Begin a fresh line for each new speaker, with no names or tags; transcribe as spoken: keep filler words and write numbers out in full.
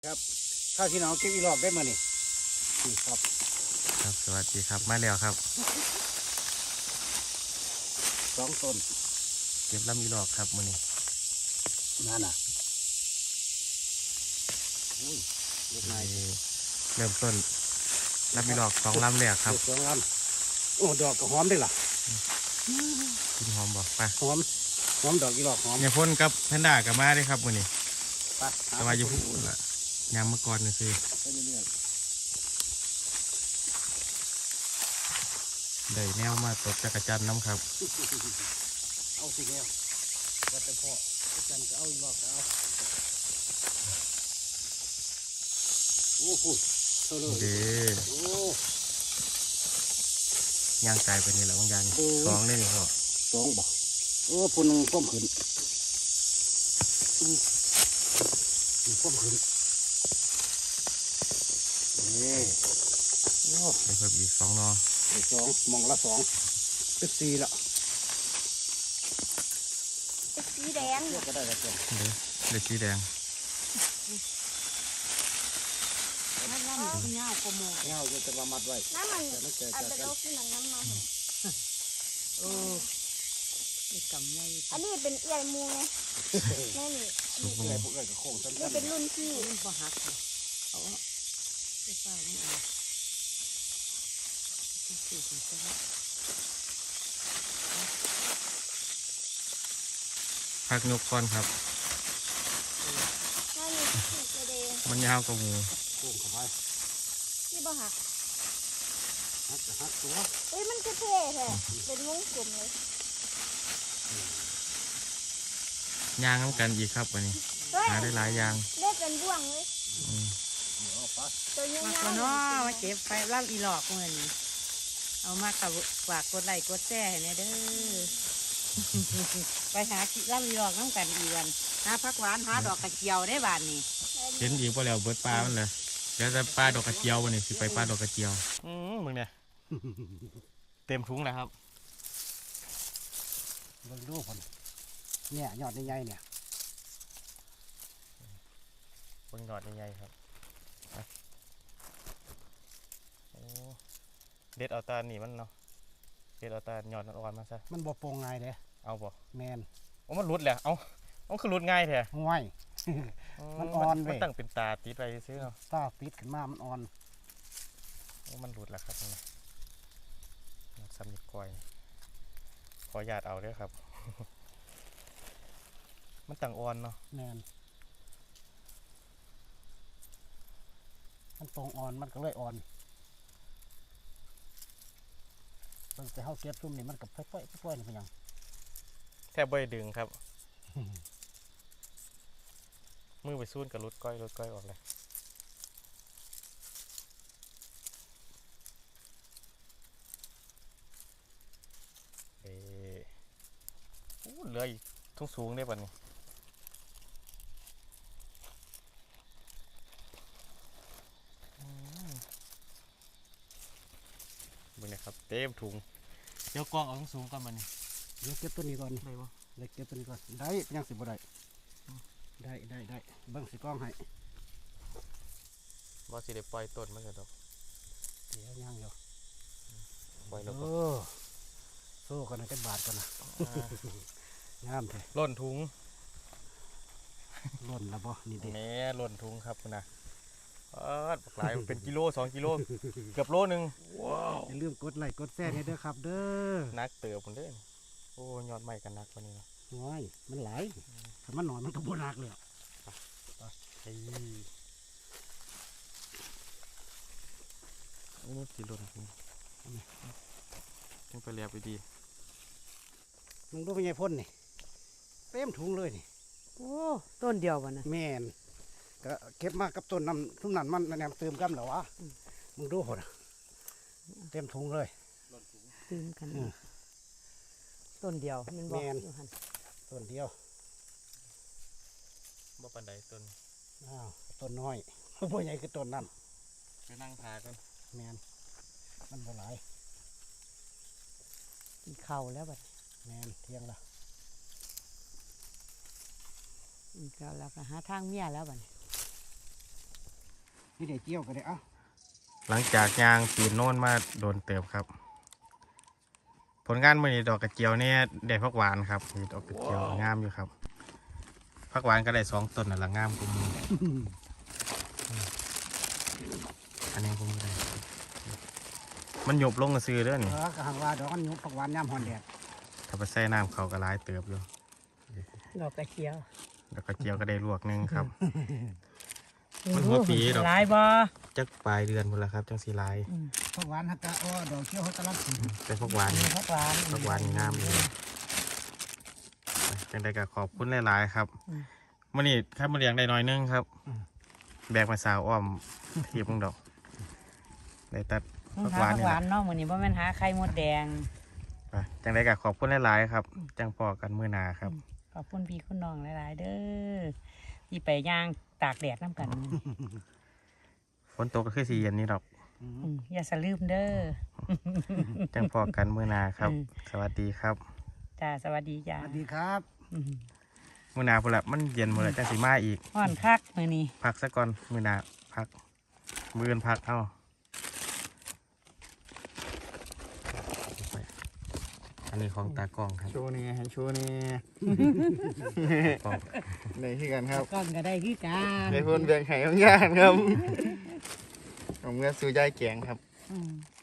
ครับข้าวที่น้องเก็บอีหลอกได้มานี่นี่ครับ
ครับสวัสดีครับมาแล้วครับ
สองต้น
เก็บลำอีหลอกครับมื้อนี้
นั่นน่ะอุ้ยเล็กน้อย
เริ่มต้นลำอีหลอกสองลำแรกครับ
สองลำโอ้ดอกก็หอมได้ล่ะ
กินหอมบอกไป
หอมหอมดอกอีหลอกหอม
เนี่ยพ่นกับแพนด้ากับมาได้ครับมื้อนี้
ไป
สบายอยู่พูดละยามเมื่อก่อนนี่สิได้แนวมาตกจักรจันทร์น้ำครับ
เอาสิแนวว่าแต่พ่อจันก็เอาอีหลอกก็เอาโอ้โหโตเลย
เด้
โอ้
ย่างกายไปนี่แหละบางอย่างสองเลยนี่พ่อ
สองบ่โอ้ปุ่นก้มขึ้นก้มขึ้นนี่โอ้
ได้เพิ่มอีกสองนอ
สองมองละสองเป็นสี่ละ
เป็นสีแดง
เลือกก็ได้แล้วจ้ะ
เด้ได้สีแดง
น้ำมันเงาโกโม
เงาจะจะมามัดไว้
น้ำมัน
แต่ไม่เจอ
อาจ
กัน
จะต้องกินน้ำมัน
เออไอ้กำไง
อันนี้เป็นเอี่ยมูไงนี่นี่
สุก
เอื่อยพวกเอื่อยกับโค้งสั้น
นี่เป็นรุ่นพี่
มันบ่หักเลยเอาไอ้ฟ้ามันเอาที่สี่ถึงจะว่า
พักนกก่อนครับ
นี่นี่นี่กระเดง
มันยาวกว่าหมู
โค้งเข้าไป
นี่บ่หัก
ฮักจะฮักตัว
เอ้ยมันก็เท่แท้เป็นวงกลมเลย
ย่างน้ำกันอีกครับวันนี้หาได้หลายอย่าง
ได้เป็นบ่วงเลยตัวเงี้ย
มาคนน้อมาเก็บไปล่ำอีหลอกเงินเอามากับฝากกดไลค์กดแชร์ให้แน่เด้อไปหาล่ำอีหลอกน้ำกันอีวันหาผักหวานหาดอกกระเจียวได้บานนี่
เห็นอีกพอแล้วเบิดปลามันเลยเดี๋ยวจะปลาดอกกระเจียววันนี้สิไปปลาดอกกระเจียวอืมมึงเนี่ยเต็มถุงแล้วครับ
เบิ่งดูคนเนี่ยยอดใหญ่ๆเนี่ย
เบิ่งยอดใหญ่ๆครับโอ้เด็ดเอาตาหนีมันเนาะเด็ดเอาตายอดอ่อนมาซะ
มันบ่โปร่งง่ายเด้
เอาบ่
แมน
โอ้มันรุดแหละเอาเอาคือรุดง่ายแท้
ง่ายมันอ่อนเว้ย
มันตั้งเป็นตาติดไปซื้อเนาะ
ตาปิดขึ้นมามันอ่อน
โอ้มันรุดแหละครับนี่สำนึกก้อยขอหยาดเอาเด้อครับ มันต่างอ่อนเนาะ
แมนมันตรงอ่อนมันก็เลยอ่อนมันจะเข้าเก็บซุ่มนี่มันกับค่อยๆค่อยๆนี่เป็นยัง
แทบไม่ดึงครับ มือไปซูนกับรถก้อยรถก้อยออกเลยเออเหลืออีกทุ่งสูงได้ป่ะนี่บึงนะครับเต็มถุงเดี๋ยวกองเอาทุ่งสูงก่อนมานี่
เดี๋ยวเก็บตัวนี้ก่อน
ได้ปะ
เดี๋ยวเก็บตัวนี้ก่อนได้ยังสิบ่ได้ได้ได้ได้เบิ้งสิกล้องให้
ว่าสิได้ปล่อยต้นมันจะดอก
เดี๋ยวยังอยู่
ปล่อยแล้วก็
โซ่กันนะเป็นบาทกันนะงามเลย
ล่นถุง
ล่นแล้วบ่นี่ดิ
แม่ล่นถุงครับนะเออหลายเป็นกิโลสองกิโลเกือบโลนึงว้าว
อย่าลืมกดไลค์กดแชร์ให้ด้วยครับเด้อ
นักเติบผมเด้อโอ้ยอดใหม่กันนักวันนี้นะ
น้อยมันหลายถ้ามันหน่อยมันก็บ่หนักเลย
ไอ้โอ้สีล่นถุงยังไปเรียบไปดี
มึงดูเป็นไงพ่นนี่เต็มถุงเลยนี่
โอ้ต้นเดียววะนะ
แม่นก็เก็บมากับต้นน้ำทุ่มนั่นมันแนมเติมกันเหรอวะมึงดูหดเต็มถุงเลย
เติมกันต้นเดียวมันบอก
ต้นเดียว
บ่ปันใดต้น
อ้าวต้นน้อยบ่ใหญ่คือต้นนั่น
ไปนั่งทากัน
แม่นมันบ่หลาย
กินข้าวแล้วบัด
แม่นเที่ยงละ
กินข้าวแล้วก็หาทางเมียแล้วบัด
ไม่ได้เกี่ยวก็ได้เอ้า
หลังจากยางปีนโน่นมาโดนเติบครับ ผลงานมื่อนี้ดอกกระเจียวเนี่ยได้ผักหวานครับนี่ดอกกระเจียวงามอยู่ครับผักหวานก็ได้สองต้นน่ะละงามกุมออันนี้กุมได้มันหยบลงกระซื้อเด้อ
เอ
นี่
อกระหังว่าดอกมันยุบผักหวานย่ำหอนแดด
ถ้าไปใส่น้ำเขาก็หลายเติบอยู่
ดอกกระเจียว
ดอกกระเจียวก็ได้ลวกหนึงครับ มันหัวปีดอก
หลายบ่
จักปลายเดือนหมดแล้วครับจังสีลาย
ผักหวานฮักกะอ้อดอกเขียวฮักกะลับ
เป็นผักหวาน
มีผักหวาน
ผักหวานงามเลยจังใดก็ขอบคุณหลายๆครับมื่อนี้ครับมาเลี้ยงได้น้อยนึงครับ แบกมาสาวอ้อมทีบมึงดอกได้ตัด
ผั
ผั
ก
ก
หวาว
หาน นนี่
ห
แห
วา
ละ
นเนาะมื้อนี้บ่แม่นหาไข่มดแดง
ไปจังใดก็ขอบคุณหลายๆครับ จังพอกันมื้อหน้าครับ
ขอบคุณพี่คุณน้องหลายๆเด้อที่ไปย่างตากแดดน้ำกันมื้อนี้
ฝนตกก็คือสีเย็นนี่ดอก
อืมอย่าสะลืมเด้อ
จังพอกันมื้อหน้าครับ
อืม
สวัสดีครับ
จ้าสวัสดีจ้า
สวัสดีครับ
อืม
มื้อหน้าพุ่นละมันเย็นหมดแล้วจังสีมาอีก
ฮ้อนคักมื้อนี้
พักซะก่อนมื้อหน้าพักมื้ออื่นพักเอ้าอันนี้ของตากล้องครับ
โชว์นี่ให้โชว์นี่
กล้อง
ในที่กันครับ
ก่อนก็ได้คือกัน
ในพนแบ่งไข่ของย่านครับผมเมื่อซื้อยายแกงครับ
อืม